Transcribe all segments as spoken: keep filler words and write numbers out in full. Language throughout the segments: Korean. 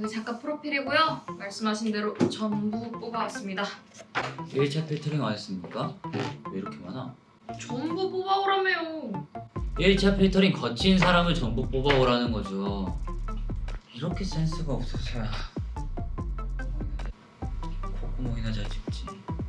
여기 잠깐 프로필이고요. 말씀하신 대로 전부 뽑아왔습니다. 일 차 필터링 안 했습니까? 왜 이렇게 많아? 전부 뽑아오라며요. 일 차 필터링 거친 사람을 전부 뽑아오라는 거죠. 이렇게 센스가 없어서야 콧구멍이나 잘 찍지.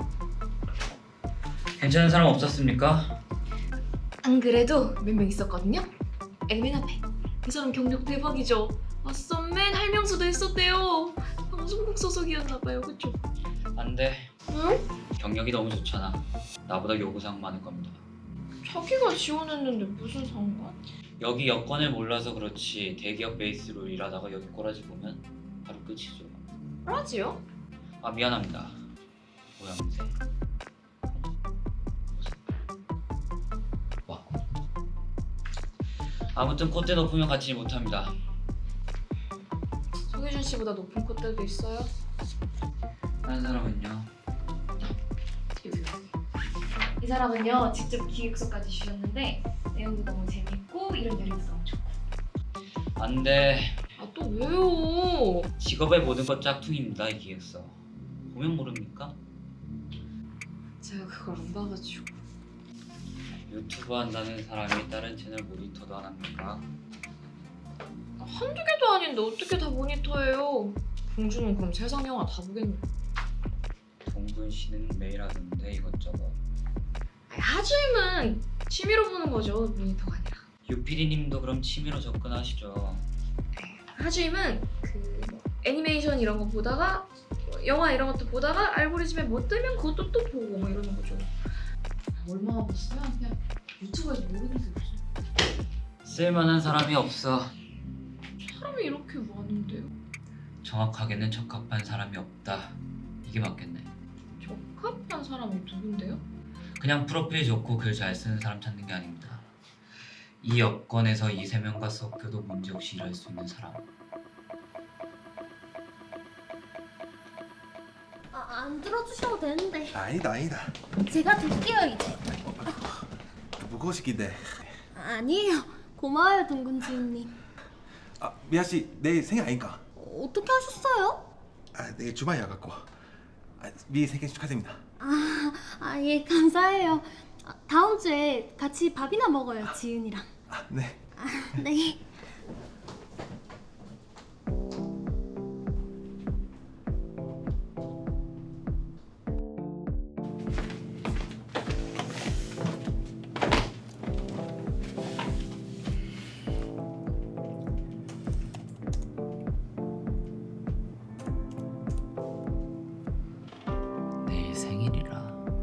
괜찮은 사람 없었습니까? 안 그래도 몇 명 있었거든요. 엘멘 앞에 그 사람 경력 대박이죠. 아 썸맨 할명수도 했었대요. 방송국 소속이었나봐요. 그쵸? 안 돼. 응? 경력이 너무 좋잖아. 나보다 요구사항 많을 겁니다. 자기가 지원했는데 무슨 상관? 여기 여건을 몰라서 그렇지 대기업 베이스로 일하다가 여기 꼬라지 보면 바로 끝이죠. 라지요? 아 미안합니다. 모양새. 와. 아무튼 콧대 높으면 같이 못합니다. 송혜준 씨보다 높은 콧대도 있어요? 다른 사람은요? 이 사람은요 직접 기획서까지 주셨는데 내용도 너무 재밌고 이런 내용도 너무 좋고. 안 돼. 아 또 왜요? 직업의 모든 것 짝퉁입니다 이 기획서. 보면 모릅니까? 제가 그걸 안 봐가지고. 유튜브 한다는 사람이 다른 채널 모니터도 안 합니까? 한두 개도 아닌데 어떻게 다 모니터예요? 공주는 그럼 세상 영화 다 보겠네. 동근 씨는 매일 하던데 이것저것. 아니, 하주임은 취미로 보는 거죠. 모니터가 아니라. 유피디님도 그럼 취미로 접근하시죠. 하주임은 그 뭐, 애니메이션 이런 거 보다가 뭐 영화 이런 것도 보다가 알고리즘에 뭐 뜨면 그것도 또 보고 뭐 이러는 거죠. 얼마나 봤어요? 그냥 유튜브에서 모르는 게 없어. 쓸만한 사람이 없어. 사람이 이렇게 많은데요? 정확하게는 적합한 사람이 없다. 이게 맞겠네. 적합한 사람이 누군데요? 그냥 프로필 좋고 글 잘 쓰는 사람 찾는 게 아닙니다. 이 여건에서 이 세 명과 섞여도 문제없이 일할 수 있는 사람. 아, 안 들어주셔도 되는데 아니다 아니다 제가 들게요 이제. 무거우시긴데. 아니에요. 고마워요 동근 지은님. 아 미아씨 내일 생일 아닌가? 어떻게 하셨어요? 아 내일 주말이라 갖고. 아, 미리 생일 축하드립니다. 아, 아, 예 감사해요. 아, 다음 주에 같이 밥이나 먹어요 지은이랑. 아 네. 아, 네. 내일 생일이라.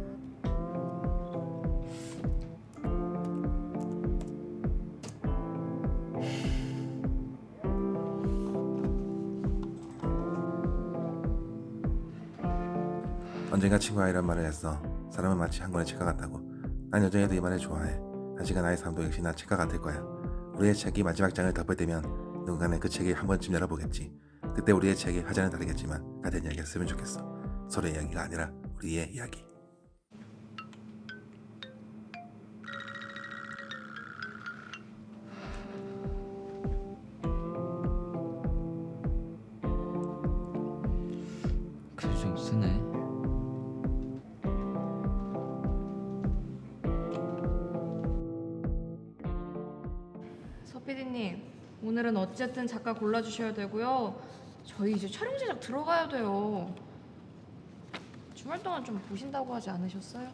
언젠가 친구가 이런 말을 했어. 사람은 마치 한 권의 책과 같다고. 난 여전히도 이 말을 좋아해. 한시간 나의 삶도 역시 나 책과 같을 거야. 우리의 책이 마지막 장을 덮을 때면 누군가는 그 책을 한 번쯤 열어보겠지. 그때 우리의 책이 화자는 다르겠지만 같은 이야기가 쓰면 좋겠어. 서로의 이야기가 아니라 우리의 이야기. 글 좀 쓰네. 서 피디님 오늘은 어쨌든 작가 골라주셔야 되고요. 저희 이제 촬영 제작 들어가야 돼요. 주말 동안 좀 보신다고 하지 않으셨어요?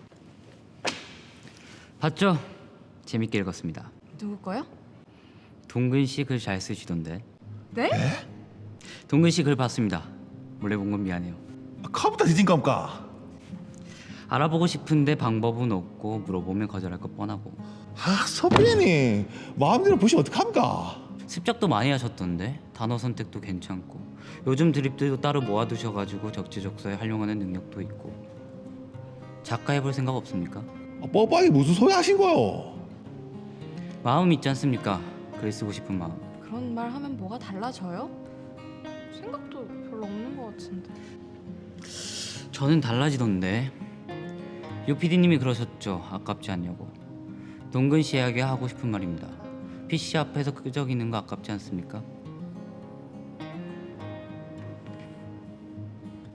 봤죠? 재밌게 읽었습니다. 누구 거요? 동근 씨 글 잘 쓰시던데. 네? 동근 씨 글 봤습니다. 몰래 본 건 미안해요. 아, 카부터 뒤진 겁니까? 알아보고 싶은데 방법은 없고 물어보면 거절할 것 뻔하고. 아 서빈이 마음대로 보시면 어떡합니까? 습작도 많이 하셨던데 단어 선택도 괜찮고 요즘 드립들도 따로 모아두셔가지고 적재적소에 활용하는 능력도 있고. 작가 해볼 생각 없습니까? 아, 뻔뻔하게 무슨 소리 하신 거요? 마음 있지 않습니까? 글 쓰고 싶은 마음. 그런 말 하면 뭐가 달라져요? 생각도 별로 없는 것 같은데. 저는 달라지던데. 유피디님이 그러셨죠. 아깝지 않냐고. 동근 씨에게 하고 싶은 말입니다. 피씨 앞에서 끄적이는 거 아깝지 않습니까?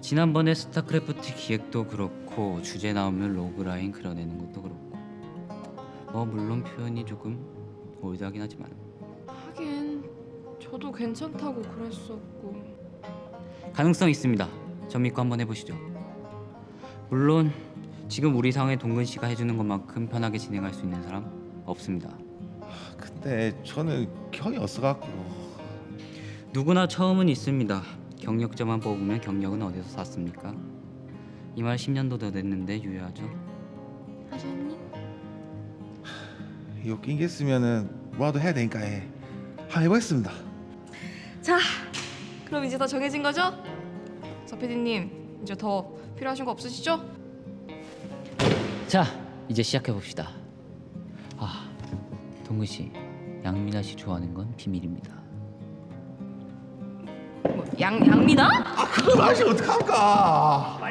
지난번에 스타크래프트 기획도 그렇고 주제 나오면 로그라인 그려내는 것도 그렇고 뭐 물론 표현이 조금 올드하긴 하지만 하긴 저도 괜찮다고 그랬었고. 가능성 있습니다. 전 믿고 한번 해보시죠. 물론 지금 우리 상황에 동근 씨가 해주는 것만큼 편하게 진행할 수 있는 사람 없습니다. 근데 저는 경이 없어갖고. 누구나 처음은 있습니다. 경력자만 뽑으면 경력은 어디서 샀습니까? 이 말 십 년도 더 됐는데 유효하죠. 하재님? 이거 낑겼으면은 뭐라도 해야 되니까 해. 한번 해보겠습니다. 자, 그럼 이제 다 정해진 거죠? 서 피디님, 이제 더 필요하신 거 없으시죠? 자, 이제 시작해 봅시다. 아, 동근 씨, 양민아 씨 좋아하는 건 비밀입니다. 뭐, 양, 양미나? 아 그걸 아시 어떡합니까?